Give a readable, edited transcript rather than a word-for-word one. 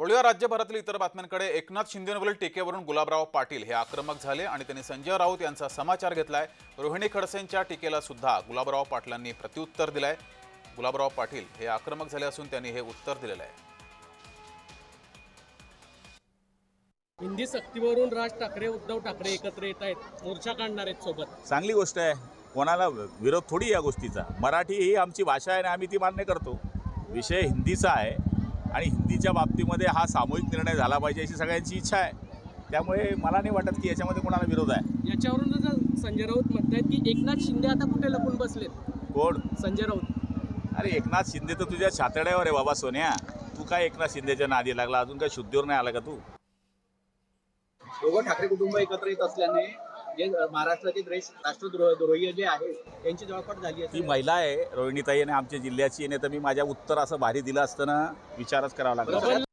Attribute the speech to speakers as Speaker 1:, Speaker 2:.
Speaker 1: वळूया राज्यभरातील इतर बातम्यांकडे। एकनाथ शिंदेंवरील टीकेवरून गुलाबराव पाटील हे आक्रमक झाले आणि त्यांनी संजय राऊत यांचा समाचार घेतलाय। रोहिणी खडसेंच्या टीकेला सुद्धा गुलाबराव पाटलांनी प्रत्युत्तर दिलंय। गुलाबराव पाटील हे आक्रमक झाले असून त्यांनी हे उत्तर दिलेलं आहे।
Speaker 2: हिंदी सक्तीवरून राज ठाकरे उद्धव ठाकरे एकत्र येत आहेत, मोर्चा काढणार आहेत सोबत।
Speaker 3: चांगली गोष्ट आहे, कोणाला विरोध थोडी या गोष्टीचा। मराठी ही आमची भाषा आहे आणि आम्ही ती मान्य करतो। विषय हिंदीचा आहे आणि हिंदीच्या बाबतीमध्ये हा सामूहिक निर्णय झाला पाहिजे अशी सगळ्यांची इच्छा आहे। त्यामुळे मला नाही वाटत की याच्यामध्ये कोणाला विरोध आहे।
Speaker 2: याच्यावरून संजय राऊत म्हणतात की एकनाथ शिंदे आता कुठे लपून बसलेत।
Speaker 3: कोण?
Speaker 2: संजय राऊत।
Speaker 3: अरे एकनाथ शिंदे तर तुझ्या छातड्यावर आहे बाबा सोन्या। तू काय एकनाथ शिंदेच्या नादी लागला? अजून काय शुद्धीवर नाही आला का तू?
Speaker 4: दोघं ठाकरे कुटुंब एकत्र येत असल्याने जे महाराष्ट्राचे राष्ट्रद्रोही जे आहे त्यांची जळपट झाली
Speaker 3: ती महिला आहे रोहिणीताई आणि आमच्या जिल्ह्याची, नाही तर मी माझ्या उत्तर असं भारी दिलं असतं ना, विचारच करावा लागला।